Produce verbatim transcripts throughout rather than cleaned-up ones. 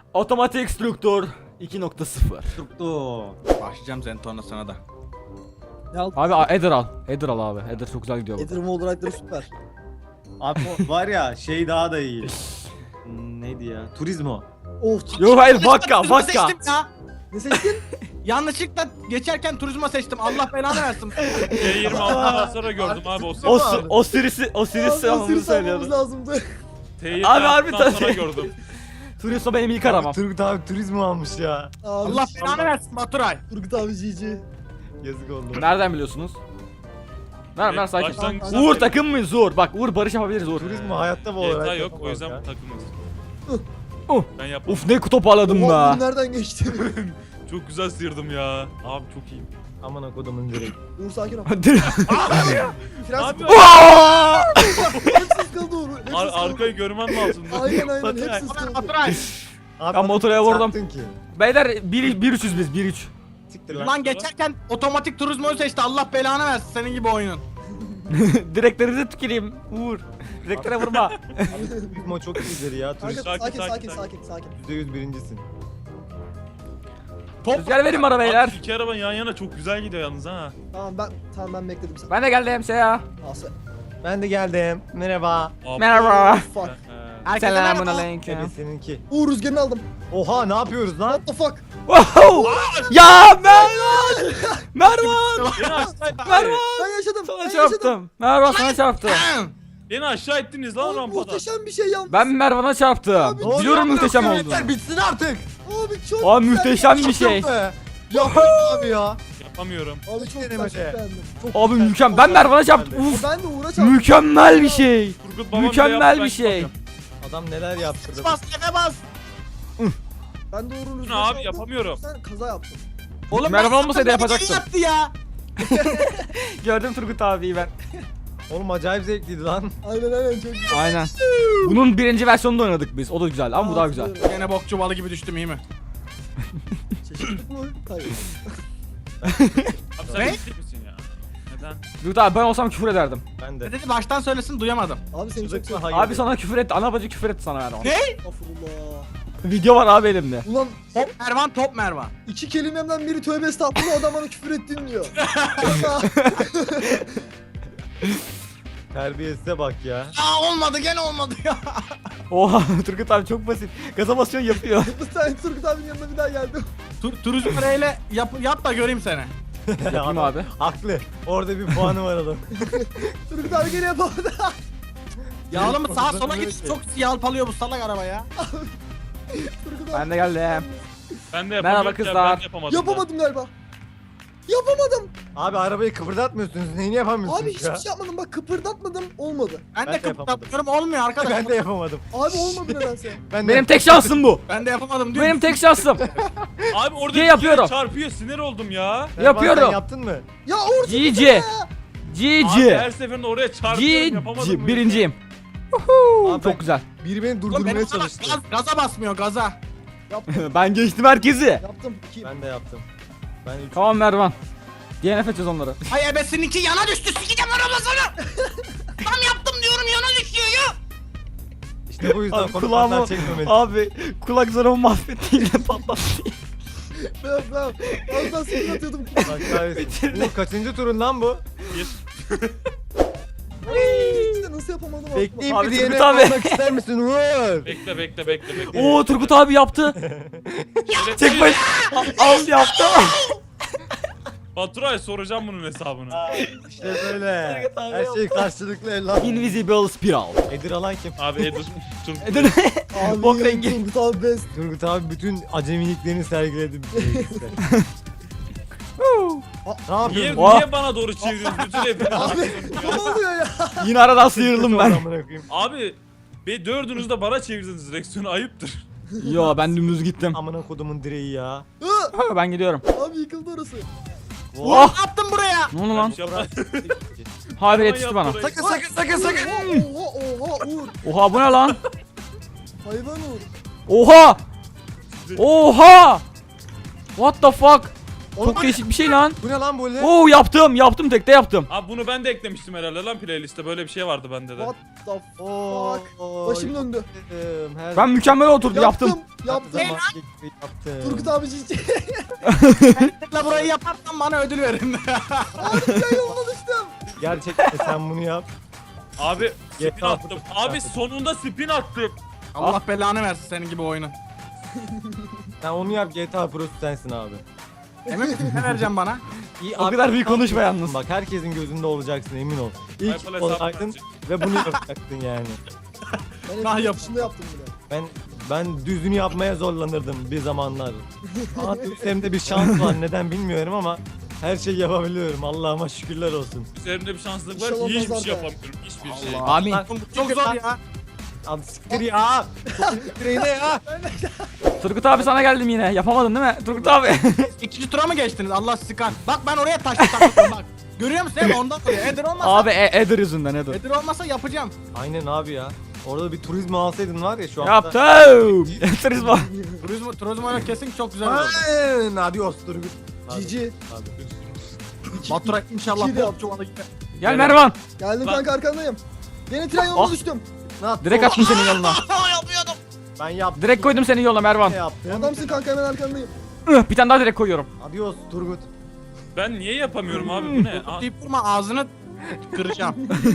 Otomatik struktur iki nokta sıfır. Tuttu. Başlayacağım senin tornasına da. Ne aldın? Abi a- Eder al. Eder al abi. Eder çok güzel gidiyor bu. Edirme olarakları süper. Abi o var ya şey daha da iyi. Hmm, Neydi ya? Turizmo. Oh, Yok hayır vodka Turizmo vodka. seçtim ya. ne seçtin? Yanlışlıkla geçerken turizmo seçtim. Allah belanı versin. T yirmi altıdan sonra gördüm abi o O, sırada. si- o sirisi o sirisi Abi, almamı sırf almamız söylüyordu. lazımdı. T yirmi Abi harbi altıdan tabii. sonra gördüm. Suriso benim ilk aramam. Turgut abi turizmo almış ya. Abi, Allah belanı versin Baturay. Turgut abi G G. Yazık oldu. Nereden biliyorsunuz? Ver ver Evet, sakin. başlangıçta Uğur söyleyeyim. takım mıyız Uğur? Bak Uğur barış yapabiliriz Uğur. Turizmo hayatta bu G T A olarak yok o yapamaz yüzden ya. takımız. Uh. Ben yapamam. Uf ne toparladım Oha, be. bu nereden geçti? Çok güzel sıyırdım ya. Abi çok iyiyim. Aman akodumun direkt. Uğur sakin ol. Fren Abi sıkıldı. Hepsi sıkıldı Uğur. Hepsi ar sıkıldı. arkayı görmem lazım. Aynen aynen Baturay. hepsi sıkıldı. Baturay. Abi Ben motora vurdum. çarptın ki. Beyler bir üçüz biz bir üç. Siktir lan. Lan geçerken otomatik turizmoyu seçti. Allah belanı versin senin gibi oyunun. Direklerinize tüküreyim Uğur. Direklere vurma. Turizmo çok iyidir ya. Kanka, Turist Sakin, sakin sakin, sakin sakin. sakin sakin. yüzde yüz birincisin. Top. Rüzgar verin bana beyler. Abi iki araban yan yana çok güzel gidiyor yalnız ha. Tamam ben tamam ben bekledim sen. Ben de geldim Seya. Asa. Ben de geldim. Merhaba. Abi. Merhaba. Fuck. Ee, Herkese Selamun merhaba. aleyküm. Evet seninki. Uğur rüzgarını aldım. Oha ne yapıyoruz lan? What the fuck? Wow! Ya Mervan! Mervan! Beni aşağı, Mervan! Ben yaşadım. Sana ben yaşadım. çarptım. Mervan sana çarptı. beni aşağı ettiniz lan Abi, rampadan. muhteşem bir şey yalnız. Ben Mervan'a çarptım. Abi, Biliyorum Ne muhteşem yapıyorsun? olduğunu. Yeter, bitsin artık. Abi çok Aa güzel. muhteşem bir şey. Yok be. Yapma abi ya. Yapamıyorum. Abi çok güzel Denemede. çok beğendim. Çok Abi güzel. mükemmel. Ben Mervan'a çarptım. Abi, Uf. ben de Uğur'a çarptım. Mükemmel bir şey. Turgut babam Mükemmel bile bir yaptı, şey. ben yapamıyorum. Adam neler yaptırdı. Bas kefe bas. Ben de Uğur'un Ne rüzgarını abi aldım. yapamıyorum. Sen kaza yaptın. Oğlum Merhaba ben olmasaydı zaten beni yapacaktım. yaptı ya. Gördüm Turgut abiyi ben. Oğlum acayip zevkliydi lan. Aynen aynen çok güzel. Aynen. Bunun birinci versiyonunda oynadık biz. O da güzel ama bu daha güzel. Hatırlıyorum. Gene bok çuvalı gibi düştüm iyi mi? Şaşırttık mı? Hayır. Abi sen Ne? ciddi misin ya? Neden? Turgut abi ben olsam küfür ederdim. Ben Ne de. dedi baştan söylesin duyamadım. Abi seni çok Çocuk mu? seviyorum. Hayır. Abi sana küfür etti. Ana bacı küfür etti sana Mervan. Ne? Estağfurullah. Video var abi elimde. Ulan Top Mervan top Mervan. iki kelimemden biri tövbe estağfurullah adam bana küfür ettin diyor. Terbiyesize bak ya. Ya olmadı gene olmadı ya. Oha Turgut abi çok basit. Gaza basıyorsun yapıyor. Bu tane Turgut abinin yanına bir daha geldim. Tur turizm reyle yap, yap da göreyim seni. Yapayım Adam abi. Haklı. Orada bir puanı var adam. Turgut abi gene yapamadı. Ya oğlum sağa sola Konuşamıyor git ki. çok yalpalıyor bu salak araba ya. Turgut abi. Ben de geldim. Ben de Merhaba yapamıyorum ki, kızlar. Ben de yapamadım. Yapamadım galiba. Yapamadım. Abi arabayı kıpırdatmıyorsunuz. Neyini yapamıyorsunuz Abi ya? hiçbir şey yapmadım. Bak kıpırdatmadım olmadı. Ben, Ben de de yapamadım. kıpırdatıyorum olmuyor arkadaş. Ben de yapamadım. Abi olmadı nedense. Ben de Benim tek şansım bu. Ben de yapamadım diyor. Benim tek şansım. Abi orada G bir yapıyorum. kere çarpıyor sinir oldum ya. Merhaba, Yapıyorum. Sen yaptın mı? Ya Uğur G G. G Abi G. her seferinde oraya G çarpıyorum yapamadım. G. mı? Birinciyim. Abi ben- Çok güzel. Biri beni Oğlum durdurmaya benim salak çalıştı. gaz, gaza basmıyor gaza. yaptım. Ben geçtim herkesi. Yaptım. İki. Ben de yaptım. Ben üç. Tamam Mervan. D N F edeceğiz onları. Hay ebesininki yana düştü sikeceğim arabasını. Tam yaptım diyorum yana düşüyor ya. İşte bu yüzden Abi konuklardan kulağımı çekmemeli. abi kulak zarımı mahvetti yine patlattı. Tamam tamam. Az daha sıkıntı atıyordum. Bak kahretsin. Bu kaçıncı turun lan bu? Bir. İşte nasıl yapamadım aklıma. Bekleyip Abi bir Turgut diğerini abi. almak ister misin? Uğur. Bekle bekle bekle bekle. Oo Turgut abi yaptı. Tek baş al yaptı. Baturay soracağım bunun hesabını. İşte böyle. Turgut abi Her şey karşılıklı evlat. Invisible Spiral. Edir alan kim? Abi Edir. Turgut. Edin. Abi Bok rengi. Turgut abi best. Turgut abi bütün acemiliklerini sergiledi. Ne Niye, yapıyorsun? Oh. niye bana doğru çeviriyorsun bütün hep? Abi ne oluyor ya? Yine aradan sıyrıldım ben. Amına koyayım. Abi be dördünüz de bana çevirdiniz direksiyonu ayıptır. Yo ben dümdüz gittim. Amına kodumun direği ya. Hı, Ha, ben gidiyorum. abi yıkıldı orası. Oh! Ne yaptın buraya? Ne oldu lan? Yapma. Habire yetişti bana. Yaptı Sakın sakın sakın sakın. Oha oha Uğur. Oha bu ne lan? Hayvan Uğur. Oha! Oha! What the fuck? Çok değişik bir şey lan. Bu ne lan böyle? Oo yaptım yaptım tekte yaptım. Abi bunu ben de eklemiştim herhalde lan playlist'te. Böyle bir şey vardı bende de. What the Oo, fuck? Başım döndü. yaptım, her Ben mükemmel oturdu yaptım. Yaptım. zaman gibi yaptım. Turgut abi cici. La burayı yaparsan bana ödül verin. Harika yoluna düştüm. Gerçekten sen bunu yap. Abi spin G T A attım. Abi sonunda spin attım. Allah belanı versin senin gibi oyunun. Sen onu yap, G T A Pro'su sensin abi. Emin misin ne vereceğim bana? İyi, O kadar büyük konuşma yalnız. Bak herkesin gözünde olacaksın, emin ol. İlk Apple hesabı olacaktın verecek. ve bunu yapacaktın yani. Ben Nah hep yap. dışında yaptım bile. Ben ben düzünü yapmaya zorlanırdım bir zamanlar. Ama üzerimde bir şans var, neden bilmiyorum ama her şeyi yapabiliyorum. Allah'ıma şükürler olsun. Üzerimde bir şanslılık var. İnşallah Hiçbir nazar şey değer. yapamıyorum. Hiçbir şey. Amin. Lan, Çok zor ya. Abi siktir ya. Siktir ne ya? Turgut abi sana geldim yine. Yapamadın değil mi? Turgut abi. İkinci tura mı geçtiniz? Allah sıkan. Bak ben oraya taşlı taktım bak. Görüyor musun? Hep ondan dolayı. Eder olmasa. abi e Eder yüzünden Eder. Eder olmasa yapacağım. Aynen abi ya. Orada bir turizm alsaydın var ya şu anda. Yaptım. Turizma. Turizm, turizm oyunu kesin çok güzel olur. Aynen. Adios Turgut. Hadi, Cici. hadi. Batura inşallah İki de bol yaptım. çuvala gider. Gel Mervan. Geldim Bak. kanka arkandayım. Yeni tren yoluna Ah. düştüm. Ne yaptın? Direkt attım senin yoluna. Yapıyordum. Ben yaptım. Direkt koydum senin yoluna Mervan. Ne yaptım? Adamsın kanka hemen arkandayım. Ih, Bir tane daha direkt koyuyorum. Adios Turgut. Ben niye yapamıyorum abi bu ne? Aa, Deyip durma ağzını kıracağım.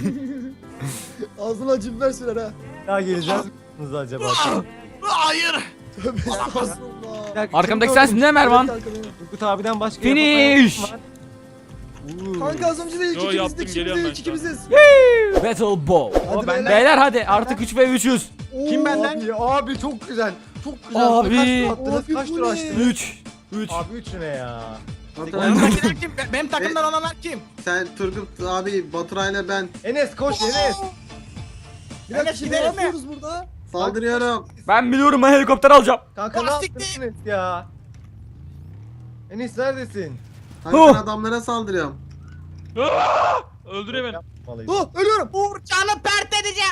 Ağzına acı biber sürer ha. Ya geleceğiz misiniz acaba? Hayır. Tövbe estağfurullah. Bir dakika, Arkamdaki kim sensin değil mi Mervan? Evet kanka benim. Turgut abiden başka Finish. yapamayacak kim var? Uuu. Kanka az önce de ilk Yo, yaptım, ikimizdik, şimdi geliyorum de ben ilk şu an. ikimiziz. Battle Ball. Hadi ben- beyler. Beyler hadi artık üç ve üçüz. Oo, Kim benden? Abi, abi çok güzel. Çok güzel. Abi. Kaç tur attınız? Abi Kaç bu tur ne? açtınız? üç. üç. Abi üç ne ya? Önümdekiler kim? Be- Benim takımdan olanlar kim? Sen Turgut abi Baturay'la ben Enes koş Enes. Bir dakika Enes şimdi ne gidelim mi? yapıyoruz burada? saldırıyorum. Ben biliyorum ben helikopter alacağım. Kanka ne Lastik yaptın değil. Enes ya? Enes neredesin? Hani Oh. ben adamlara saldırıyorum. öldürüyor beni. Yapmalıyım. Oh ölüyorum. Uğur canı pert edeceğim.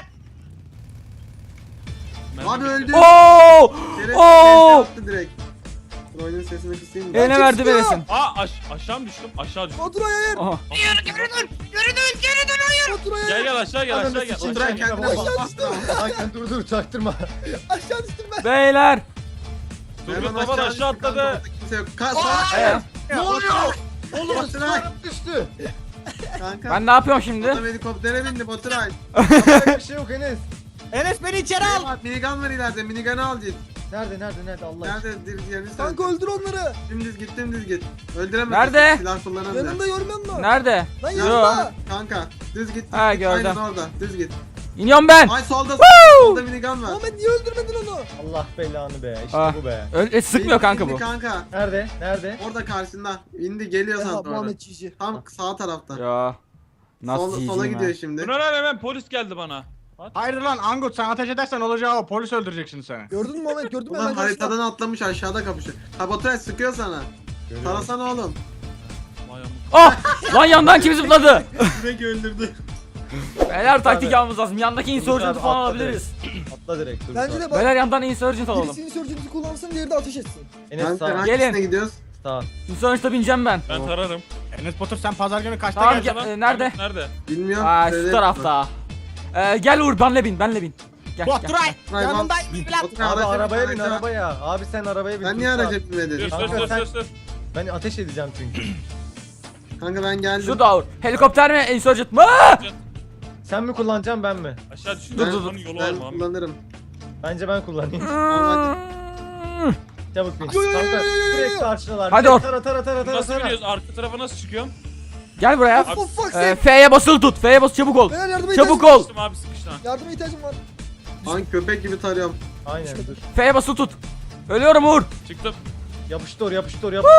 Ben Abi de- öldü. Oo! Şeref Oo! yaptı direkt. Dur, oyunun sesini kısayım mı? Eline Kim verdi sıkıyor? veresin. Aa aş aşağı mı düştüm? Aşağı düştüm. Baturay'a yer. Aha. Hayır geri dön. Geri dön. Geri dön hayır. Baturay'a Gel yer. gel aşağı gel aşağı gel. Baturay kendine Bak. bak. Hakan dur dur çaktırma. Aşağı düştüm ben. Beyler. Turgut baba da aşağı atladı. Kimse yok. Ka Ee, Ne oluyor? Oğlum Baturay. sınırım düştü. Kanka. ben ne yapıyorum şimdi? Adam helikoptere bindi Baturay. Yapacak bir şey yok Enes. Enes beni içeri al. Bak minigun var ileride. Minigun'u al git. Nerede nerede nerede Allah aşkına. Nerede? Dir- Yerini söyle. Kanka öldür onları. Dümdüz git dümdüz git. Öldüremezsin. Nerede? Silah kullanamıyor. Yanında görmüyor musun? Nerede? Lan Yo. yanında. Kanka düz git. Ha, Düz git. gördüm. Aynen orada. Düz git. İniyorum ben. Ay solda solda minigun var. Muhammed niye öldürmedin onu? Allah belanı be. İşte Ah. bu be. Öyle sıkmıyor İndi, kanka indi bu. Kanka. Nerede? Nerede? Orada karşında. İndi geliyor Ya sana doğru. Muhammed cici. Tam sağ tarafta. Ya. Nasıl Sola, sola yiyeceğim gidiyor ha? şimdi. Bu ne lan hemen polis geldi bana. Hayır lan Angut sen ateş edersen olacağı o. Polis öldürecek şimdi seni. Gördün mü Muhammed gördün mü? Ulan Hemen karşıda. haritadan atlamış aşağıda kapışıyor. Ha Baturay sıkıyor sana. Tarasana oğlum. Vay amına. Ah! Lan yandan kim zıpladı? Direkt öldürdü. Beyler taktik Abi. almamız lazım. Yandaki insurgent'ı abi, falan atla alabiliriz. Atla direkt dur. Bence de bak. Beyler yandan insurgent alalım. Birisinin sörcünüzü kullansın diğeri de ateş etsin. Enes Kanka sağ. hangisine Gelin. gidiyoruz? Sağ. Insurgent'a bineceğim ben. Ben tararım. Enes Batur sen pazar günü kaçta Tamam, geleceksin? gel- e, nerede? Nerede? Bilmiyorum. Aa şu Söyle. tarafta. Ee, gel Uğur benle bin benle bin. Gel, gel. Baturay Baturay, yanındayım evlat. Baturay, Abi araca bin, arabaya bin araca. arabaya. Abi sen arabaya bin. Ben dur niye sağ. araca Dur binmedin? dur Kanka dur sen- dur dur. Ben ateş edeceğim çünkü. Kanka ben geldim. Şurada Uğur. Helikopter mi insurgent mı? Sen mi kullanacaksın ben mi? Aşağı düştüm. Dur, Ben- dur, dur. Onun yolu Ben var mı? kullanırım. Bence ben kullanayım. hadi. Çabuk bin. Yo, yo, yo, Kanka yo, yo, yo, direkt yo. karşıdalar. Hadi Direkt or. Tara tara tara tara Nasıl tara. biliyoruz? Arka tarafa nasıl çıkıyorum? Gel buraya. Of of fuck Ee, sake. F'ye basılı tut. F'ye bas çabuk ol. Beyler yardıma Çabuk ihtiyacım ol. Sıkıştım abi sıkıştım. Yardıma ihtiyacım var. Hangi köpek gibi tarıyorum. Aynen dur. F'ye basılı tut. Ölüyorum Uğur. Çıktım. Yapıştır yapıştır yapıştır.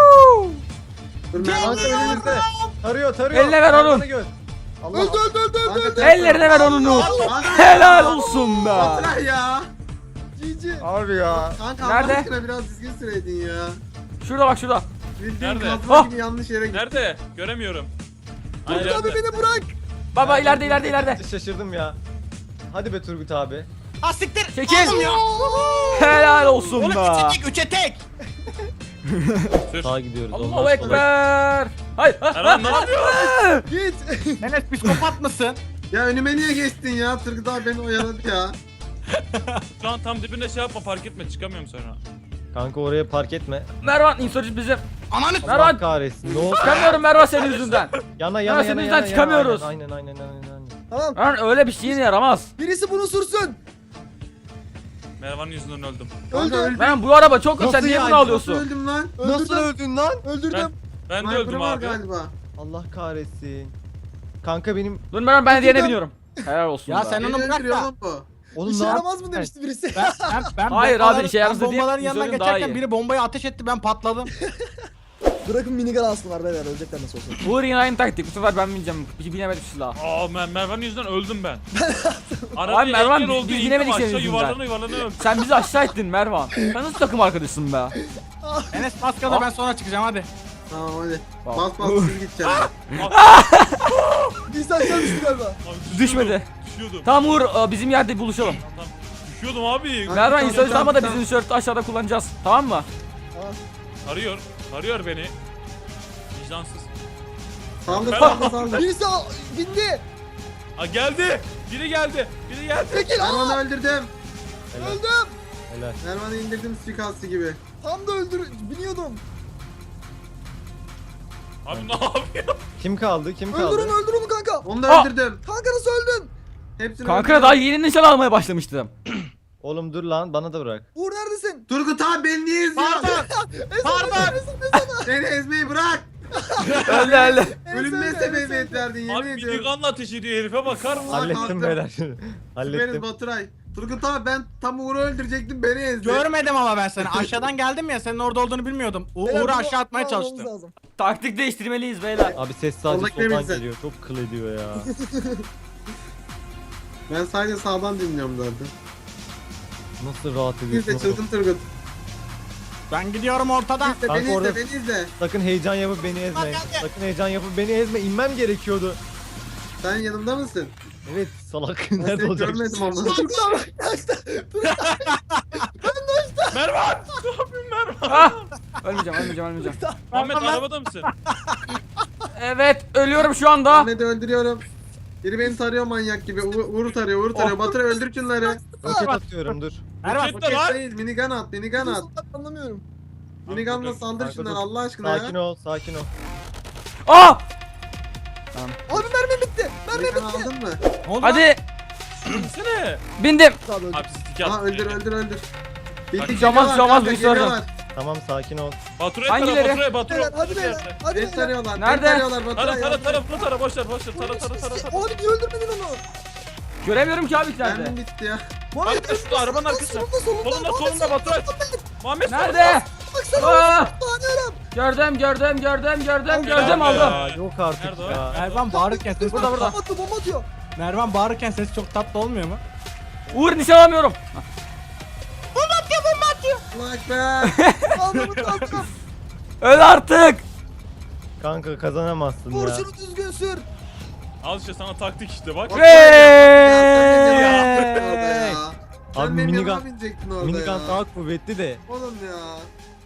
Dur Kanka ben önümüzde. Tarıyor tarıyor. Eline ver onu. Hayvanı gör. Allah. Öldü öldü öldü öldü. Kanka, öldü. Ellerine ver onu Uğur. Kanka- Helal olsun be. Baturay ya. Cici. Abi ya. Kanka Nerede? Allah aşkına biraz düzgün süreydin ya. Şurada bak şurada. Bildiğin Nerede? kazma Ah! gibi yanlış yere gittin. Nerede? Göremiyorum. Turgut Ay, abi nerede? beni bırak. Baba ileride ileride ileride. Şaşırdım ya. Hadi be Turgut abi. Ha siktir. Çekil. Oğlum ya. Helal olsun Oğlum be. üçe tek üçe tek. Sür. Sağa gidiyoruz. Allahu ondan sonra- Ekber. Hayır. Erman ne yapıyorsun? Git. Enes psikopat mısın? Ya önüme niye geçtin ya? Turgut abi beni oyaladı ya. Şu an tam dibinde şey yapma fark etme çıkamıyorum sonra. Kanka oraya park etme. Mervan insurcu bizim. Ananı Allah Mervan. kahretsin. Ne oldu? Çıkamıyorum Mervan senin yüzünden. Yana Ya yana senin yana yüzünden yana. çıkamıyoruz. Aynen aynen aynen aynen. Tamam. Mervan öyle bir şeyin yaramaz. Birisi bunu sürsün. Mervan'ın yüzünden öldüm. Kanka Öldü. öldüm. Mervan bu araba çok hızlı. Sen Nasıl niye yani? bunu Nasıl alıyorsun? öldüm lan? Nasıl öldün lan? Öldürdüm. Ben de Sniper'ı öldüm var abi. galiba. Allah kahretsin. Kanka benim Dur Mervan ben diğerine Öldürdüm. biniyorum. Helal olsun. Ya be. sen Beni onu bırak öldürüyor da. lan bu. oğlum İşe ne yap- yaramaz mı demişti birisi? Ben, ben, ben Hayır bombaların- abi, işe yaramaz ben dediğim bombaların yanından Yusuf'un daha geçerken iyi. biri bombayı ateş etti ben patladım. Bırakın minigun alsınlar beyler ölecekler nasıl olsa. Uğur yine aynı taktik. Bu sefer ben bineceğim. Bir binemedim silah. Aa Mer Mervan'ın yüzünden öldüm ben. Abi Arabaya Mervan, engel biz- oldu biz indim binemedik aşağı senin yüzünden. yuvarlana yuvarlana öldüm. Sen bizi aşağı ettin Mervan. Sen nasıl takım arkadaşısın be? Enes maskada ben sonra çıkacağım hadi. Tamam hadi. Bak. Bas bas siz gideceğim. Birisi aşağı düştü galiba. Abi düşüyordum, Düşmedi. Düşüyordum. Tamam Uğur e, bizim yerde buluşalım. Tamam. Düşüyordum abi. Hadi. Mervan tamam, insurcu tamam, ama da tamam. bizim insurcu aşağıda kullanacağız. Tamam mı? Arıyor. Arıyor beni. Vicdansız. Saldır Ben- saldır saldır. Birisi al- bindi. Aa geldi. Biri geldi. Biri geldi. Çekil. Aa, Mervan'ı öldürdüm. Helal. öldüm. Helal. Mervan'ı indirdim suikastçı gibi. Tam da öldür biniyordum. Abi ne yapıyor? Kim kaldı? Kim kaldı? Öldür onu öldür onu kanka. Onu da Aa! öldürdüm. Kanka nasıl öldün? Hepsini Kanka öldürdüm. daha yeni nişan almaya başlamıştım. Oğlum dur lan bana da bırak. Uğur neredesin? Turgut abi beni niye izliyorsun? Pardon. Pardon. Beni ezmeyi bırak. öldü öldü. Ölünmezse beni verdin yemin Abi ediyorum. minigunla ateş ediyor herife bakar mısın? Hallettim kalktım. beyler. Süperiz Hallettim. Baturay. Turgut abi ben tam Uğur'u öldürecektim beni ezdi. Görmedim ama ben seni. Aşağıdan geldim ya senin orada olduğunu bilmiyordum. U Beyler, Uğur'u bunu aşağı atmaya almamız çalıştım. lazım. Taktik değiştirmeliyiz beyler. Abi ses sadece Oradaki soldan bize. geliyor. Çok kıl ediyor ya. Ben sadece sağdan dinliyorum zaten. Nasıl rahat Biz de ediyorsun? oğlum? çılgın Turgut. Ben gidiyorum ortadan. İzle Kanka beni izle orada- beni izle. Sakın heyecan yapıp beni ezme. Sakın heyecan yapıp beni ezme. İnmem gerekiyordu. Sen yanımda mısın? Evet salak. Ben Nerede seni olacak? görmedim ama. Turgut abi kaçtı. Mervan! Ne yapıyorsun Mervan? Ah! Ölmeyeceğim ölmeyeceğim ölmeyeceğim. Ahmet arabada mısın? Evet ölüyorum şu anda. Ahmet'i öldürüyorum. Biri beni tarıyor manyak gibi. U Uğur'u tarıyor, Uğur'u tarıyor. Baturay öldür şunları. Roket atıyorum dur. Mervan. Roket de var. Değil, minigun at, minigun at. Anlamıyorum. Minigunla saldır Kanka şunları dur. Allah aşkına Sakin ya. ol, sakin ol. Ah! Abi mermi bitti. Mermi Minigun bitti. aldın mı? Ne oldu lan? Hadi Gitsene. bindim. Abi öldü. Abi siz iki Aha attın öldür beni. öldür öldür. Bak, Bitti, Şamaz, geliyorlar şamaz kanka, bir sorun. geliyorlar. Tamam sakin ol. Baturay Hangileri? tara Baturay Baturay. Beyler hadi beyler. Hadi Beni beyler. tarıyorlar, Nerede? beni tarıyorlar Tara Baturay. tara yardım tara et. bunu tara boş ver boş ver tara tara tara tara. Abi niye öldürmedin onu? Göremiyorum ki abi nerede. Mermim bitti ya. Muhammed Bak, şurada, arabanın arkasında. Solunda solunda. Solunda Muhammed, solunda Baturay. Muhammed Nerede? Baksana. Aa! Tanıyorum. Gördüm gördüm gördüm gördüm gördüm Nerede aldım. ya? Yok artık Nerede o? ya. Mervan bağırırken ses Burada, burada. Bomba atıyor bomba atıyor. Mervan bağırırken ses çok tatlı olmuyor mu? Uğur nişan alamıyorum. Allah ekber. Almamız lazım. Öl artık. Kanka kazanamazsın Vur ya. şunu düzgün sür. Al işte sana taktik işte bak. Ya, sen benim yanıma Hey! binecektin orada ya. Sen Abi benim yanıma minigun- binecektin orada Minigun ya. daha kuvvetli de. Oğlum ya.